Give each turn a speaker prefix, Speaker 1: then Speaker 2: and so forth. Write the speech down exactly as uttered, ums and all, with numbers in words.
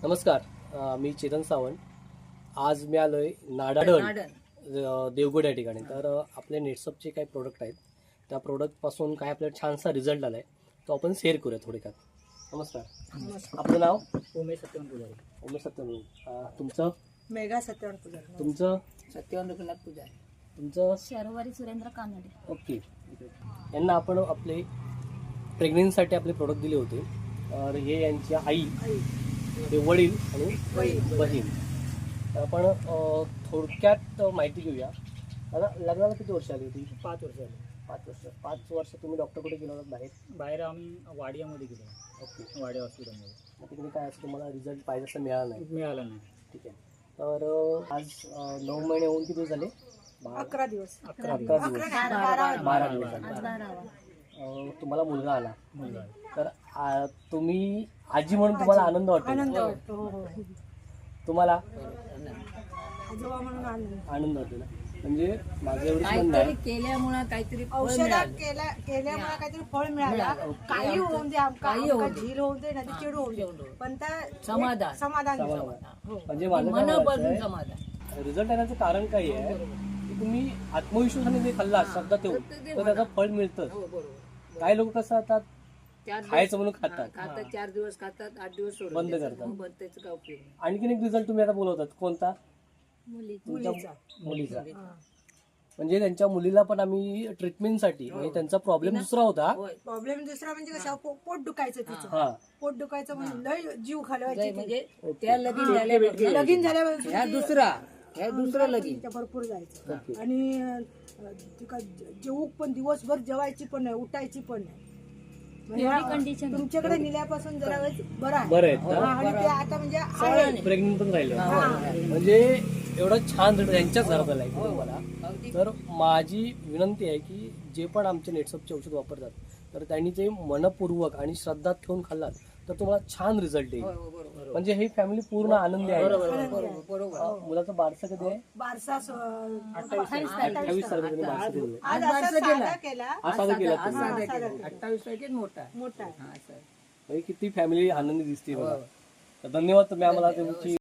Speaker 1: नमस्कार, अ, मी चेतन सावंत. आज मी आलोय नाडाडण अ, देवगड या ठिकाणी. तर अ, आपले नेटसपचे काही प्रोडक्ट आहेत, त्या प्रोडक्टपासून काय आपल्याला छानसा रिझल्ट आलाय, तो आपण शेअर करूया थोडक्यात. नमस्कार. आपलं नाव?
Speaker 2: उमेश सत्यवान पुजारी.
Speaker 1: उमेश सत्यवान. अ, तुमचं?
Speaker 3: मेघा सत्यवान पुजारी.
Speaker 1: तुमचं?
Speaker 2: सत्यवान रघुनाथ पुजारी.
Speaker 1: तुमचं?
Speaker 3: शर्वरी सुरेंद्र कानडे.
Speaker 1: ओके. यांना आपण आपले प्रेग्नेन्सीसाठी आपले प्रोडक्ट दिले होते. तर हे यांची आई, हे वडील आणि बहीण. तर आपण अ, थोडक्यात माहिती घेऊया. आता लग्नाला किती वर्ष आली होती?
Speaker 2: पाच वर्ष झाले.
Speaker 1: पाच वर्ष. पाच वर्ष तुम्ही डॉक्टर कुठे गेला होता बाहेर?
Speaker 2: बाहेर आम्ही वाडियामध्ये गेलो.
Speaker 1: ओके.
Speaker 2: वाडिया हॉस्पिटलमध्ये.
Speaker 1: मग तिकडे काय असं तुम्हाला रिझल्ट पाहिजे असं मिळाला नाही?
Speaker 2: मिळालं नाही.
Speaker 1: ठीक आहे. तर अ, आज अ, नऊ महिने होऊन किती दिवस झाले? बारा-
Speaker 3: अकरा दिवस.
Speaker 1: अकरा दिवस. बारा दिवस झाले. अ, तुम्हाला मुलगा आला.
Speaker 2: मुलगा.
Speaker 1: तर आ, तुम्ही आजी म्हणून तुम्हाला आनंद वाटतो?
Speaker 3: आनंद वाटतो. हो, हो.
Speaker 1: तुम्हाला
Speaker 3: आजोबा म्हणून आनंद.
Speaker 1: आनंद होतो ना. म्हणजे माझं एवढंच म्हणणं आहे,
Speaker 4: केल्यामुळे काहीतरी फळ
Speaker 3: औषधात
Speaker 4: मिळालं.
Speaker 3: केल्या केल्यामुळे काहीतरी फळ मिळालं.
Speaker 4: मिळालं.
Speaker 3: काही होऊन दे, आमका
Speaker 4: काही
Speaker 3: आमका
Speaker 4: होऊन दे.
Speaker 3: झील होऊन दे ना ती चिड होऊन दे, पण त्या
Speaker 4: समाधान.
Speaker 3: एक समाधान
Speaker 1: समाधान.
Speaker 3: समाधान. हो.
Speaker 1: म्हणजे माझं काय
Speaker 4: मनापासून
Speaker 1: म्हणायचं
Speaker 4: समाधान.
Speaker 1: आहे, रिझल्ट येण्याचं कारण काय आहे की तुम्ही आत्मविश्वासाने जे खाल्ला शब्दात ठेवून, तर त्याचं फळ मिळतं.
Speaker 4: हो बरोबर.
Speaker 1: काही लोक कसं आता
Speaker 4: चार
Speaker 1: खायचं म्हणून
Speaker 4: दिवस-
Speaker 1: खातात.
Speaker 4: हा, खातात चार दिवस खातात, आठ दिवस सोडून
Speaker 1: बंद
Speaker 4: द्यायचं.
Speaker 1: करतात.
Speaker 4: हो, बंद, त्याचं काय उपयोग नाही.
Speaker 1: आणखीन एक रिझल्ट तुम्ही आता बोलवतात, कोणता?
Speaker 3: मुलीचा.
Speaker 1: मुलीचा. म्हणजे त्यांच्या मुलीला पण आम्ही ट्रीटमेंटसाठी, म्हणजे त्यांचा प्रॉब्लेम दुसरा होता.
Speaker 4: होय.
Speaker 3: प्रॉब्लेम दुसरा म्हणजे कसं पो- पोट दुखायचं तिचं.
Speaker 1: हा.
Speaker 3: पोट दुखायचं म्हणजे लय जीव
Speaker 4: काय
Speaker 3: घालवायची
Speaker 4: म्हणजे त्या लगीन झाल्यापासून
Speaker 3: लगीन झाल्यावर
Speaker 4: ह्या दुसरा ह्या दुसरं लगीन.
Speaker 3: तिच्या भरपूर जायचं.
Speaker 1: ओके.
Speaker 3: आणि अं, तिका जेवू पण दिवसभर जेवायची पण नाही, उठायची पण नाही. म्हणजे तुमच्याकडे नेल्यापासून जरा वेळ बरं आहे.
Speaker 1: बरं आहेत
Speaker 3: हा,
Speaker 1: ना?
Speaker 3: आणि ते आता म्हणजे आहे.
Speaker 1: प्रेग्नेंट पण राहिलं.
Speaker 3: हा.
Speaker 1: म्हणजे एवढं छान रिझल्ट यांच्याच घरात आलाय की तुम्हाला.
Speaker 4: अगदी
Speaker 1: तर माझी विनंती आहे की जे पण आमचे नेटसपचे औषध वापरतात, तर त्यांनी ते मनपूर्वक आणि श्रद्धा ठेवून खाल्लात तर तुम्हाला छान रिझल्ट येईल.
Speaker 4: होय, हो, बरोबर.
Speaker 1: म्हणजे ही फॅमिली पूर्ण आनंदी आहे.
Speaker 4: बरोबर बरोबर बरोबर.
Speaker 1: अ, मुलाचं बारसं कधी आहे?
Speaker 3: बारसा स-
Speaker 1: अठ्ठावीस तारखेला बारसं केलेलं आहे.
Speaker 3: आज असा साधा केला.
Speaker 1: हा साधा केला
Speaker 4: आज
Speaker 1: तुम्ही.
Speaker 4: साधा
Speaker 3: साधा
Speaker 4: केला.
Speaker 3: केला.
Speaker 4: अठ्ठावीस तारखेत मोठा आहे.
Speaker 3: मोठा आहे.
Speaker 4: हा, असं आहे.
Speaker 1: म्हणजे किती फॅमिली आनंदी दिसते बघा. तर धन्यवाद तुम्ही आम्हाला तुमची